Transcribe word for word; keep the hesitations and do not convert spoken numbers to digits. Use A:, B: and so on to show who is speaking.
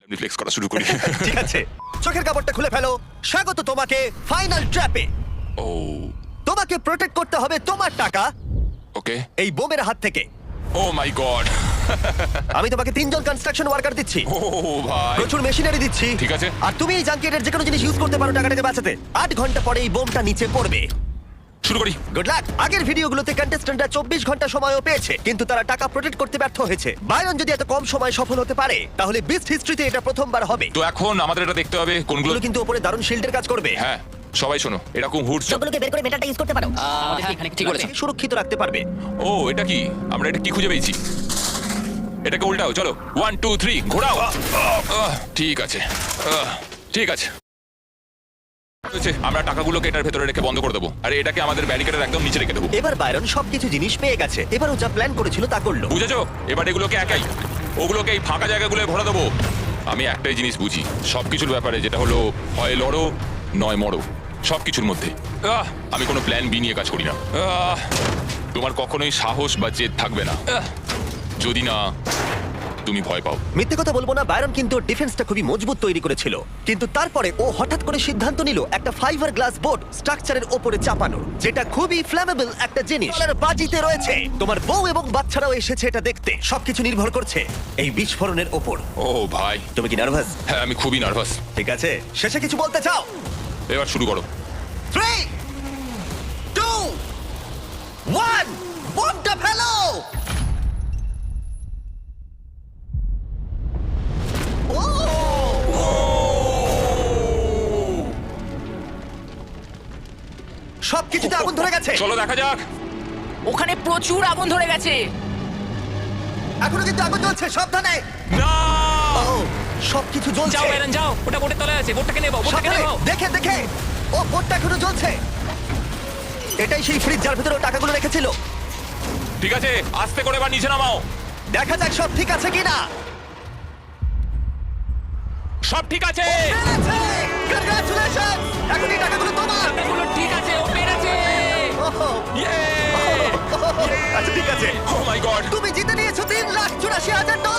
A: Reflex করা শুরু করি।
B: ঠিক আছে, চোখের কাপড়টা খুলে ফেলো। স্বাগত তোমাকে ফাইনাল ট্র্যাপে।
A: ও
B: তোমাকে প্রোটেক্ট করতে হবে তোমার টাকা
A: ওকে।
B: এই বোমের হাত থেকে।
A: Oh my god.
B: আমি তোমাকে তিনজন কনস্ট্রাকশন ওয়ার্কার দিচ্ছি,
A: ও ভাই
B: প্রচুর মেশিনারি দিচ্ছি।
A: ঠিক আছে।
B: আর তুমি এই জাঙ্কিয়েটের যে কোনো জিনিস ইউজ করতে পারো টাকাটাকে বাঁচাতে। আট ঘন্টা পরে এই বোমটা নিচে পড়বে।
A: শুরু করি।
B: Good luck. আগের ভিডিওগুলোতে কন্টেস্ট্যান্টরা চব্বিশ ঘন্টা সময়ও পেয়েছে, কিন্তু তারা টাকা প্রোটেক্ট করতে ব্যর্থ হয়েছে। বাইরন যদি এত কম সময় সফল হতে পারে, তাহলে বিস্ট হিস্ট্রিতে এটা প্রথমবার হবে।
A: তো এখন আমাদের এটা দেখতে হবে কোনগুলো।
B: এগুলো কিন্তু উপরে দারুণ শিল্ডের কাজ করবে।
A: হ্যাঁ সবাই শোনো, এরকম হুড।
C: সবগুলোকে বের করে মেটালটা ইউজ করতে পারো।
D: আমাদের এখানে ঠিক বলেছেন।
B: সুরক্ষিত রাখতে পারবে।
A: ও এটা কি? আমরা এটা কি খুঁজে পেয়েছি? এটাকে উল্টাও, চলো। ওয়ান টু থ্রি ঘোরাও। আহ, ঠিক আছে, আহ, ঠিক আছে। হয়েছে, আমরা টাকাগুলোকে এটার ভেতরে রেখে বন্ধ করে দেবো, আর এটাকে আমাদের ব্যারিকেডের একদম নিচে রেখে দেবো।
B: এবার বাইরন সবকিছু জিনিস পেয়ে গেছে। এবার ও যা প্ল্যান করেছিল তা করলো।
A: বুঝেছো? এবার এগুলোকে একাই ওগুলোকে এই ফাঁকা জায়গাগুলো ভরে দেবো। আমি একটাই জিনিস বুঝি সবকিছুর ব্যাপারে, যেটা হলো হয় লড়ো নয় মরো। সবকিছুর মধ্যে আহ, আমি কোনো প্ল্যান বি নিয়ে কাজ করি না। আহ, তোমার কখনোই সাহস বা জেদ থাকবে না আহ, যদি না তুমি ভয় পাও।
B: মিথ্যে কথা বলবো না, বাইরন কিন্তু ডিফেন্সটা খুবই মজবুত তৈরি করেছিল, কিন্তু তারপরে ও হঠাৎ করে সিদ্ধান্ত নিল একটা ফাইবার গ্লাস বোর্ড স্ট্রাকচারের উপরে চাপানোর, যেটা খুবই ফ্ল্যামেবল একটা জিনিস। আর বাজিতে রয়েছে। তোমার বউ এবং বাচ্চারাও এসেছে এটা দেখতে। সবকিছু নির্ভর করছে এই বিস্ফোরণের ওপর।
A: ও ভাই,
B: তুমি কি নার্ভাস?
A: হ্যাঁ আমি খুবই নার্ভাস।
B: ঠিক আছে, শেষে কিছু বলতে চাও?
A: এবার শুরু করো।
B: থ্রি টু ওয়ান, বোমটা ফেলো। ও! সবকিছুতে আগুন ধরে গেছে।
A: চলো দেখা যাক।
D: ওখানে প্রচুর আগুন ধরে গেছে।
B: এখনো কিন্তু আগুন জ্বলছে, সাবধানে।
A: না
B: ও, সবকিছু জ্বলছে।
D: যাও এরন যাও, ওটা বোটের তলায় আছে, বোটটাকে নেবো, বোটটাকে
B: সাবধানে,
D: নেবো।
B: দেখে দেখে। ও, বোটটা এখনো জ্বলছে। এটাই সেই ফ্রিজ যার ভিতরে ও টাকাগুলো রেখেছিল।
A: ঠিক আছে, আস্তে করে এবার নিচে নামাও।
B: দেখা যাক সব ঠিক আছে কিনা।
A: সব ঠিক আছে।
B: কংগ্রাচুলেশন, এখন এই টাকাগুলো তোমার।
D: টাকাগুলো ঠিক আছে, ও পেরেছে।
B: ওহো,
A: ইয়ে
B: আচ্ছা ঠিক আছে।
A: Oh my god.
B: তুমি জিতে নিয়েছো তিন লাখ চুরাশি হাজার ডলার।